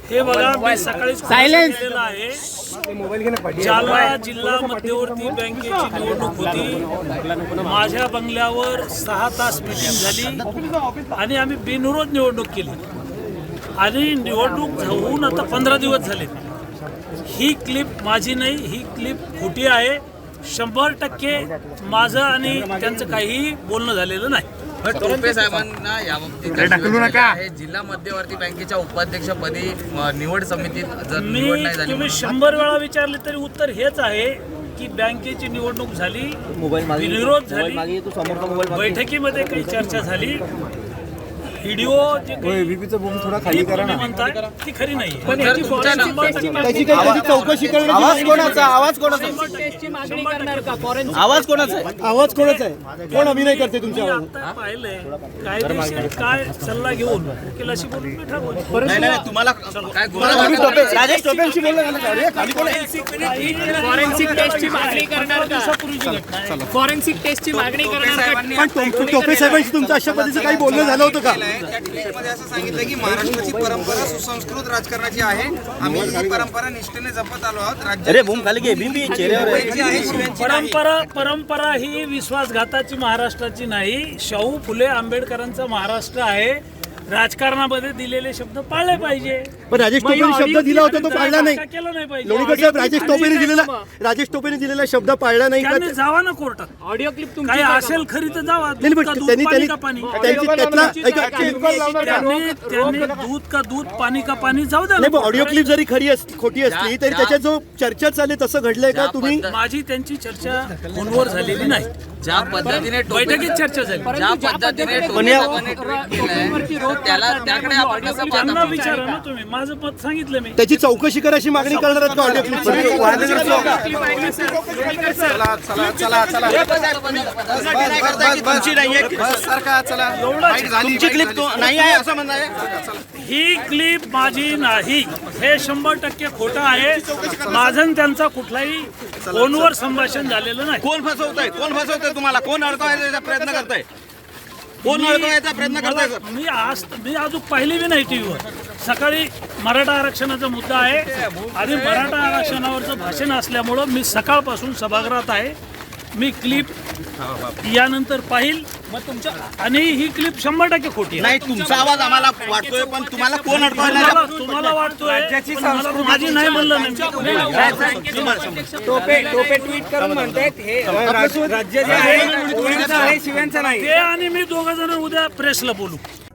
हे बघा, मी सकाळी केलेलं आहे. जालना जिल्हा मध्यवर्ती बँकेची निवडणूक होती. माझ्या बंगल्यावर 6 तास मीटिंग झाली आणि आम्ही बिनविरोध निवडणूक केली आणि निवडणूक होऊन आता 15 दिवस झाले. ही क्लिप माझी नाही, ही क्लिप खोटी आहे. 100% माझं आणि त्यांचं काहीही बोलणं झालेलं नाही. टोपे साहेबांना याबाबतीत जिल्हा मध्यवर्ती बँकेच्या उपाध्यक्षपदी निवड समितीत जर निवड नाही झाली, तुम्ही 100 वेळा विचारले तरी उत्तर हेच आहे की बँकेची निवडणूक झाली, विरोध झाली, बैठकीमध्ये काही चर्चा झाली. व्हिडिओ जे थोडा खाली करा ना, म्हणताय ती खरी नाही. चौकशी आवाज कोणाचा आहे? कोण अभिनय करते तुमच्या आता पाहिलंय कायदेशीर काय सल्ला घेऊन वकिलाशी बोलून मी ठरवलं. नाही, तुम्हाला काय राजेश टोपेंशी बोलला फॉरेन्सिक टेस्टची मागणी करणार का? फॉरेन्सिक टेस्टची मागणी करणार का? पण टोपे साहेबांशी तुमचं अशा पद्धतीचं काही बोलणं झालं होतं का? त्या ट्विटमध्ये असं सांगितलं की महाराष्ट्राची परंपरा सुसंस्कृत राजकारणाची आहे. आम्ही ही परंपरा निष्ठेने जपत आलो आहोत. परंपरा ही विश्वासघाताची महाराष्ट्राची नाही, शाहू फुले आंबेडकरांचा महाराष्ट्र आहे. राजकारणामध्ये दिलेले शब्द पाळले पाहिजे. पण राजेश टोपेने शब्द दिला होता तो पाळला नाही. केलं नाही पाहिजे. लोणीकर साहेब, राजेश टोपेने दिलेला शब्द पाळला नाही का? त्यांनी जावा ना कोर्टात. ऑडिओ क्लिप काही असेल खरी तर जावा. त्यांनी दूध का पाणी? त्यांनी दूध का दूध, पाणी का पाणी, जाऊ द्या. नाही, पण ऑडिओ क्लिप जरी खरी खोटी असली तरी त्याच्यात जो चर्चा चालली तसं घडलंय का? तुम्ही माझी त्यांची चर्चा फोनवर झालेली नाही. ज्या पद्धतीने बैठकीत चर्चा झाली. ज्या पद्धतीने टोपे साहेबांनी ट्विट केलंय त्याला त्याकडे आपण कसं त्यांना पाहता? विचारा ना तुम्ही. माझं मत सांगितलं मी. त्याची चौकशी करायची मागणी करणार आहेत का ऑडिओ क्लिप? तुमची क्लिप नाही आहे असं म्हणताय? ही क्लिप माझी नाही, हे 100% खोटं आहे. माझं आणि त्यांचा कुठलाही फोनवर संभाषण झालेलं नाही. कोण फसवतंय तुम्हाला? कोण अडकवायचा प्रयत्न करताय? कोण अडकवायचा प्रयत्न करताय? मी अजून पाहिली बी नाही टीव्हीवर. सकाळी मराठा आरक्षणाचा मुद्दा आहे आणि मराठा आरक्षणावरचं भाषण असल्यामुळं मी सकाळपासून सभागृहात आहे. मी क्लिप यानंतर पाहिल मग तुमच्या, आणि ही क्लिप 100% खोटी आहे. नाही, तुमचा आवाज आम्हाला वाटतोय, पण तुम्हाला कोण अडकवायला? तुम्हाला वाटतोय माझी नाही म्हणलं नाही. टोपे ट्विट करून म्हणतात हे राज्य जे आहे ओळीचं आहे, शिव्यांचं नाही. ते आणि मी दोघं जण उद्या प्रेसला बोलू.